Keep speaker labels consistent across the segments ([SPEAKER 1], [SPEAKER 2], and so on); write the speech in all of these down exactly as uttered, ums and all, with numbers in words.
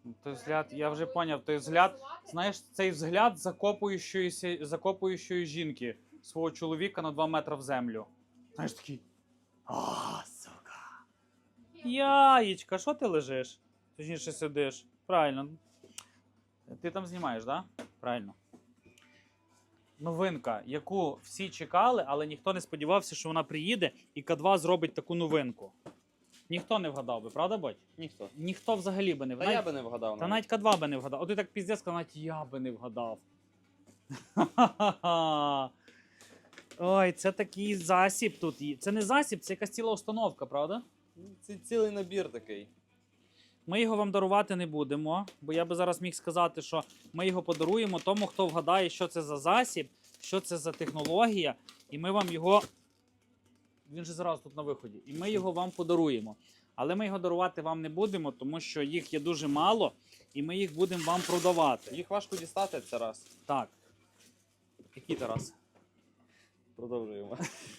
[SPEAKER 1] Той взгляд, я вже поняв, той взгляд, знаєш, цей взгляд закопуючої, закопуючої жінки свого чоловіка на два метри в землю. Знаєш, такий, а, сука. Яєчка, що ти лежиш? Точніше сидиш. Правильно. Ти там знімаєш, так? Да? Правильно. Новинка, яку всі чекали, але ніхто не сподівався, що вона приїде і К два зробить таку новинку. Ніхто не вгадав би, правда, Бодь?
[SPEAKER 2] Ніхто.
[SPEAKER 1] Ніхто взагалі би не вгадав.
[SPEAKER 2] Та я би не вгадав.
[SPEAKER 1] Та навіть К два би не вгадав. От ти так піздець, навіть я би не вгадав. Ой, це такий засіб тут. Це не засіб, це якась ціла установка, правда?
[SPEAKER 2] Це цілий набір такий.
[SPEAKER 1] Ми його вам дарувати не будемо, бо я би зараз міг сказати, що ми його подаруємо тому, хто вгадає, що це за засіб, що це за технологія, і ми вам його... Він же зараз тут на виході. І ми його вам подаруємо. Але ми його дарувати вам не будемо, тому що їх є дуже мало, і ми їх будемо вам продавати.
[SPEAKER 2] Їх важко дістати, це раз.
[SPEAKER 1] Так. Який Тарас?
[SPEAKER 2] Продовжуємо.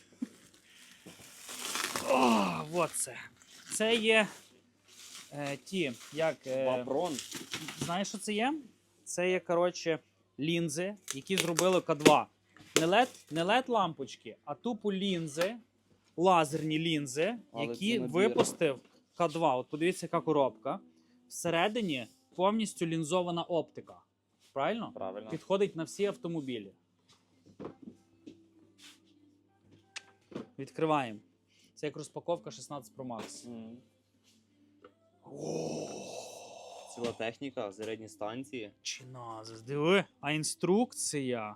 [SPEAKER 1] О, от це. Це є е, ті, як... Е,
[SPEAKER 2] Вапрон.
[SPEAKER 1] Знаєш, що це є? Це є, коротше, лінзи, які зробили К два. Не лед, не лед лампочки, а тупо лінзи, лазерні лінзи,
[SPEAKER 2] Але
[SPEAKER 1] які
[SPEAKER 2] це
[SPEAKER 1] випустив К два. От подивіться, яка коробка. Всередині повністю лінзована оптика. Правильно?
[SPEAKER 2] Правильно.
[SPEAKER 1] Підходить на всі автомобілі. Відкриваємо. Це як розпаковка шістнадцять Про Макс.
[SPEAKER 2] Mm. Ціла техніка, зарядні станції.
[SPEAKER 1] Чи назис, диви. А інструкція.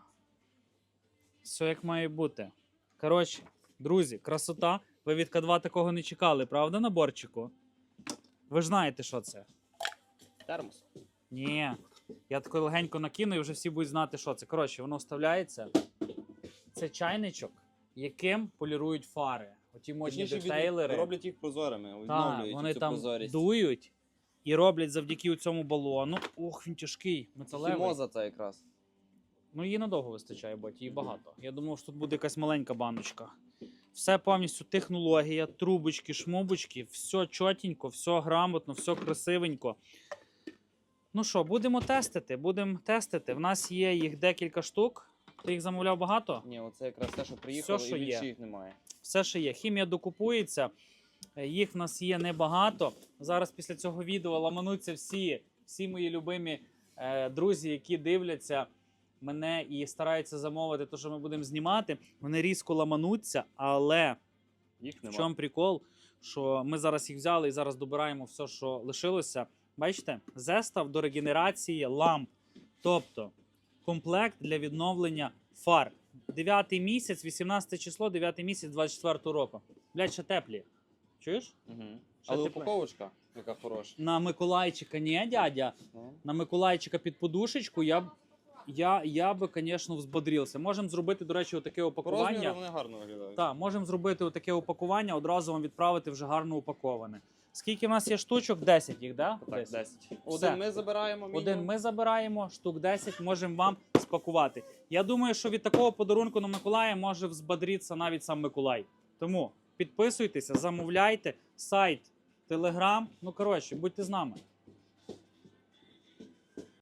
[SPEAKER 1] Все як має бути. Коротше, друзі, красота. Ви від К два такого не чекали, правда, наборчику? Ви ж знаєте, що це?
[SPEAKER 2] Термос.
[SPEAKER 1] Ні. Я тако легенько накину і вже всі будуть знати, що це. Коротше, воно вставляється. Це чайничок, яким полірують фари. Оті модні
[SPEAKER 2] Точніше,
[SPEAKER 1] детейлери.
[SPEAKER 2] від- роблять їх прозорими,
[SPEAKER 1] Так,
[SPEAKER 2] відновлюють
[SPEAKER 1] вони
[SPEAKER 2] цю
[SPEAKER 1] там
[SPEAKER 2] прозорість.
[SPEAKER 1] дують і роблять завдяки цьому балону. Ох, він тяжкий, металевий.
[SPEAKER 2] Хімоза це якраз.
[SPEAKER 1] Ну, її надовго вистачає, бо її багато. Я думав, що тут буде якась маленька баночка. Все повністю технологія, трубочки, шмубочки, все чотенько, все грамотно, все красивенько. Ну що, будемо тестити, будемо тестити. В нас є їх декілька штук. Ти їх замовляв багато?
[SPEAKER 2] Ні, оце якраз те, що приїхало,
[SPEAKER 1] Все, що
[SPEAKER 2] і більше
[SPEAKER 1] є.
[SPEAKER 2] їх немає.
[SPEAKER 1] Все, що є. Хімія докупується, їх в нас є небагато. Зараз після цього відео ламануться всі, всі мої любимі е, друзі, які дивляться мене і стараються замовити те, що ми будемо знімати. Вони різко ламануться, але
[SPEAKER 2] Їх
[SPEAKER 1] в
[SPEAKER 2] немає.
[SPEAKER 1] чому прикол, що ми зараз їх взяли і зараз добираємо все, що лишилося. Бачите, зестав до регенерації ламп. Тобто комплект для відновлення фар. дев'ятий місяць, вісімнадцяте число, дев'ятий місяць двадцять четвертого року. Блядь, ще теплі. Чуєш?
[SPEAKER 2] Угу.
[SPEAKER 1] Ще
[SPEAKER 2] Але
[SPEAKER 1] тепле.
[SPEAKER 2] упаковочка, яка хороша.
[SPEAKER 1] На Миколайчика, ні, дядя.
[SPEAKER 2] Ну.
[SPEAKER 1] На Миколайчика під подушечку я б, я, я би, звісно, взбодрився. Можемо зробити, до речі, отаке
[SPEAKER 2] По розміру
[SPEAKER 1] упакування.
[SPEAKER 2] вони гарно виглядають.
[SPEAKER 1] Так, можемо зробити отаке упакування, одразу вам відправити вже гарно упаковане. Скільки в нас є штучок? десять їх, да?
[SPEAKER 2] Так,
[SPEAKER 1] Десять.
[SPEAKER 2] десять. Один ми забираємо, мінімум.
[SPEAKER 1] Один ми забираємо, штук десять можемо вам спакувати. Я думаю, що від такого подарунку на Миколая може взбодритися навіть сам Миколай. Тому підписуйтеся, замовляйте, сайт, телеграм. Ну, коротше, будьте з нами.